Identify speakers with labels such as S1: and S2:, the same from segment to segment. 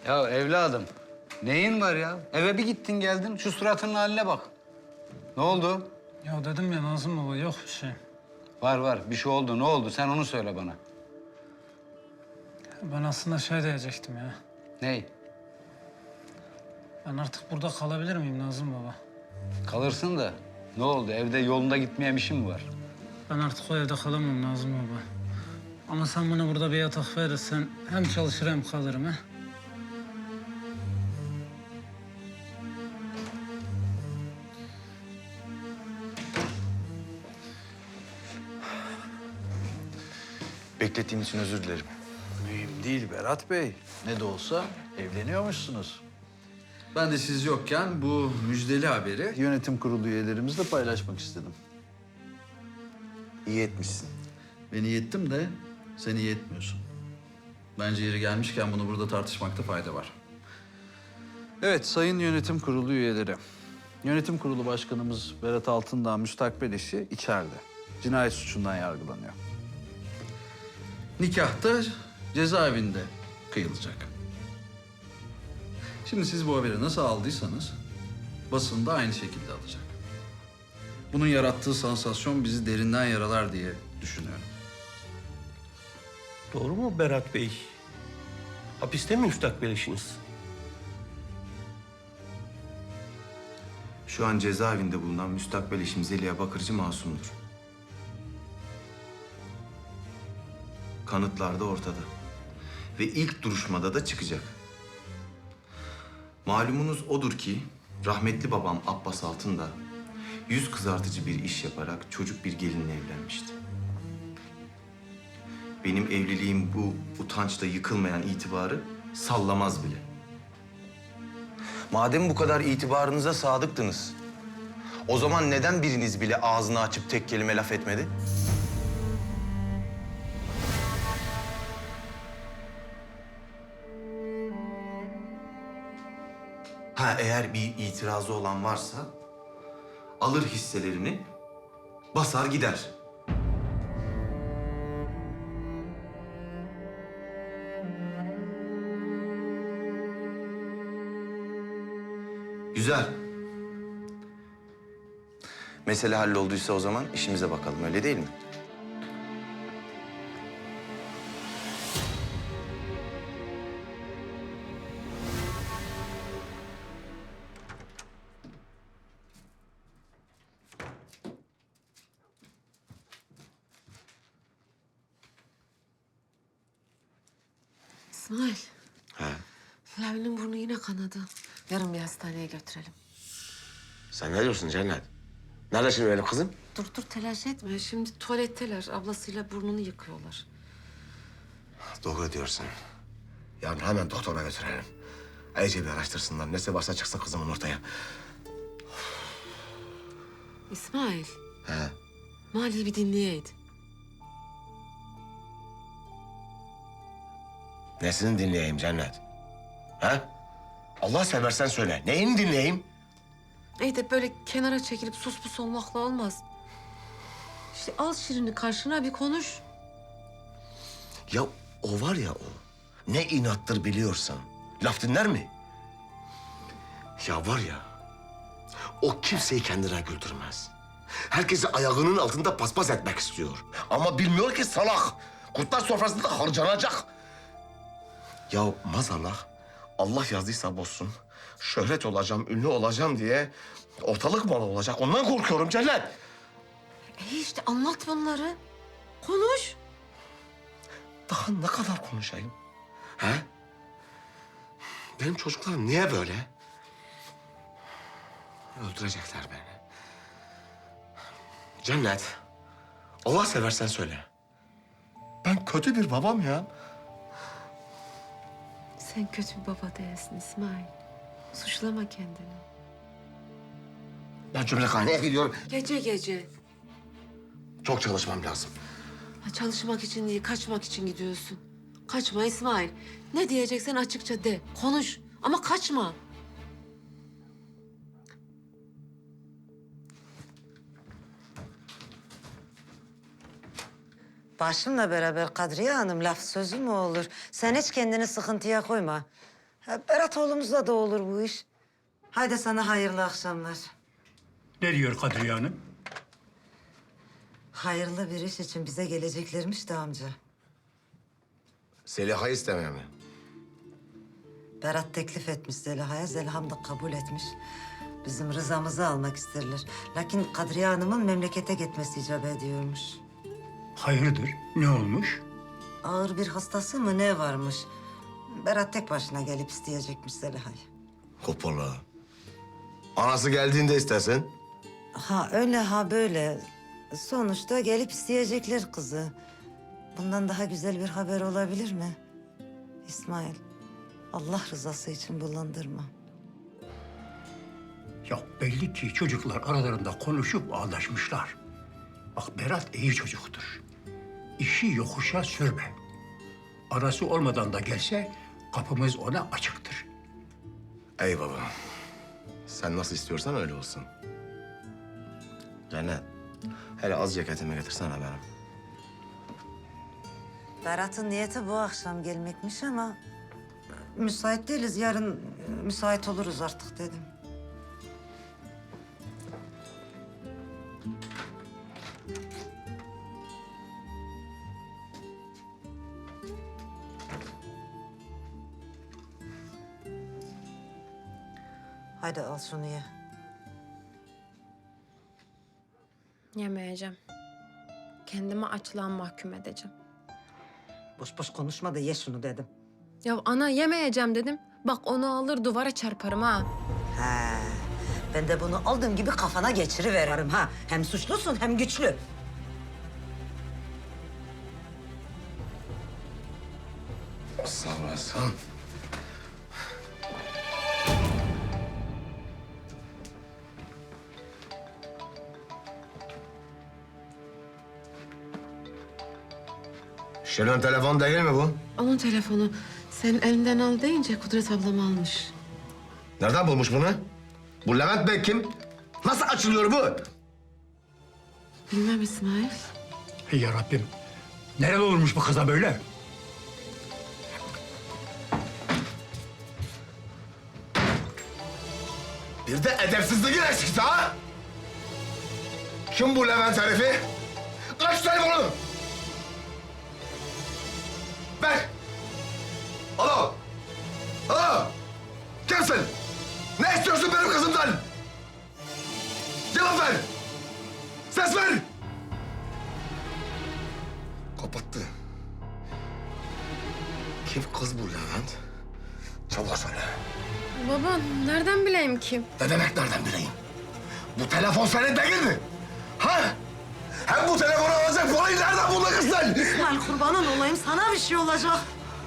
S1: Ya evladım, neyin var ya? Eve bir gittin geldin, şu suratının haline bak. Ne oldu?
S2: Ya dedim ya Nazım baba yok bir şey.
S1: Var, bir şey oldu. Ne oldu? Sen onu söyle bana.
S2: Ben aslında şey diyecektim ya.
S1: Ney?
S2: Ben artık burada kalabilir miyim Nazım baba?
S1: Kalırsın da ne oldu? Evde yolunda gitmeyen bir şey mi var?
S2: Ben artık o evde kalamam Nazım baba. Ama sen bana burada bir yatak verirsen hem çalışır hem kalırım ha.
S3: Beklettiğim için özür dilerim.
S4: Mühim değil Berat Bey. Ne de olsa evleniyormuşsunuz. Ben de siz yokken bu müjdeli haberi yönetim kurulu üyelerimizle paylaşmak istedim.
S3: İyi etmişsin.
S4: Ben iyi ettim de sen iyi etmiyorsun. Bence yeri gelmişken bunu burada tartışmakta fayda var. Evet, sayın yönetim kurulu üyeleri. Yönetim kurulu başkanımız Berat Altındağ müstakbel eşi içeride. Cinayet suçundan yargılanıyor. Nikah da cezaevinde kıyılacak. Şimdi siz bu haberi nasıl aldıysanız basın da aynı şekilde alacak. Bunun yarattığı sansasyon bizi derinden yaralar diye düşünüyorum.
S5: Doğru mu Berat Bey? Hapiste mi müstakbel eşiniz?
S3: Şu an cezaevinde bulunan müstakbel eşim Zeliha Bakırcı masumdur. Kanıtlar da ortada. Ve ilk duruşmada da çıkacak. Malumunuz odur ki rahmetli babam Abbas Altındağ yüz kızartıcı bir iş yaparak çocuk bir gelinle evlenmişti. Benim evliliğim bu utançla yıkılmayan itibarı sallamaz bile. Madem bu kadar itibarınıza sadıktınız, o zaman neden biriniz bile ağzını açıp tek kelime laf etmedi? Ha, eğer bir itirazı olan varsa alır hisselerini, basar gider. Güzel. Mesele hallolduysa o zaman işimize bakalım, öyle değil mi?
S6: İsmail,
S3: He.
S6: Flavi'nin burnu yine kanadı. Yarın bir hastaneye götürelim.
S7: Sen ne diyorsun Cennet? Nerede şimdi benim kızım?
S6: Dur telaş etme. Şimdi tuvaletteler. Ablasıyla burnunu yıkıyorlar.
S7: Doğru diyorsun. Yarın hemen doktora götürelim. İyice bir araştırsınlar. Nesi varsa çıksın kızımın ortaya.
S6: İsmail,
S7: He.
S6: Mali'yi bir dinleyeydin.
S7: Nesini dinleyeyim Cennet? He? Allah seversen söyle. Neyini dinleyeyim?
S6: İyi de böyle kenara çekilip sus pus olmakla olmaz. İşte al Şirin'i karşına bir konuş.
S7: Ya o var ya o. Ne inattır biliyorsan. Laf dinler mi? Ya var ya. O kimseyi kendine güldürmez. Herkesi ayağının altında paspas etmek istiyor. Ama bilmiyor ki salak. Kurtlar sofrasında harcanacak. Ya maazallah Allah yazdıysa bozsun. Şöhret olacağım, ünlü olacağım diye ortalık malı olacak. Ondan korkuyorum Cennet.
S6: İşte anlat bunları. Konuş.
S7: Daha ne kadar konuşayım? He? Benim çocuklarım niye böyle? Öldürecekler beni. Cennet, Allah seversen söyle. Ben kötü bir babam ya.
S6: Sen kötü bir baba değilsin İsmail. Suçlama kendini.
S7: Ben cümlehaneye gidiyorum.
S6: Gece.
S7: Çok çalışmam lazım.
S6: Ha, çalışmak için değil, kaçmak için gidiyorsun. Kaçma İsmail. Ne diyeceksen açıkça de, konuş. Ama kaçma.
S8: Başımla beraber Kadriye Hanım laf sözü mü olur? Sen hiç kendini sıkıntıya koyma. Berat oğlumuzla da olur bu iş. Haydi sana hayırlı akşamlar.
S5: Ne diyor Kadriye Hanım?
S8: Hayırlı bir iş için bize geleceklermiş de amca.
S7: Zeliha'yı istemeye mi?
S8: Berat teklif etmiş Zeliha'ya, Zeliha'm da kabul etmiş. Bizim rızamızı almak isterler. Lakin Kadriye Hanım'ın memlekete gitmesi icap ediyormuş.
S5: Hayırdır? Ne olmuş?
S8: Ağır bir hastası mı ne varmış? Berat tek başına gelip isteyecekmiş Zeliha'yı.
S7: Hoppala. Anası geldiğinde istesin.
S8: Ha öyle ha böyle. Sonuçta gelip isteyecekler kızı. Bundan daha güzel bir haber olabilir mi? İsmail, Allah rızası için bulandırma.
S5: Ya belli ki çocuklar aralarında konuşup anlaşmışlar. Bak Berat iyi çocuktur. İşi yokuşa sürme. Arası olmadan da gelse kapımız ona açıktır.
S7: Ey baba. Sen nasıl istiyorsan öyle olsun. Cennet. Hele az ceketimi getirsene benim.
S8: Berat'ın niyeti bu akşam gelmekmiş ama... ...müsait değiliz. Yarın müsait oluruz artık dedim. Haydi al şunu ye.
S9: Yemeyeceğim. Kendimi açlığa mahkum edeceğim.
S8: Boş boş konuşma da ye şunu dedim.
S9: Ya ana yemeyeceğim dedim. Bak onu alır duvara çarparım ha.
S8: He, ben de bunu aldığım gibi kafana geçiriveririm ha. Hem suçlusun hem güçlü.
S7: Sağ olasın. Şirin telefon değil mi bu?
S6: Onun telefonu. Sen elinden al deyince Kudret ablam almış.
S7: Nereden bulmuş bunu? Bu Levent Bey kim? Nasıl açılıyor bu?
S6: Bilmem İsmail.
S5: Hey ya Rabbim. Nerede olmuş bu kıza böyle?
S7: Bir de edepsizliğin eksikti ha? Kim bu Levent herifi? Aç telefonu! Ver! Alo! Alo! Kimsin? Ne istiyorsun benim kızımdan? Cevap ver! Ses ver! Kapattı. Kim kız bu Levent? Çabuk söyle.
S9: Baba nereden bileyim kim?
S7: Ne demek nereden bileyim? Bu telefon senin değil mi? Ha? Hem bu telefonu alacak parayı nereden buldun kız sen?
S8: İsmail kurbanın olayım sana bir şey olacak.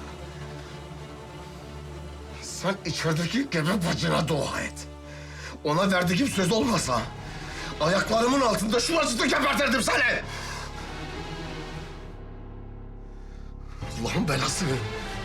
S7: Sen içerideki gebe bacına dua et. Ona verdiğim söz olmasa... ...ayaklarımın altında şuracıkta gebertirdim seni. Allah'ın belası.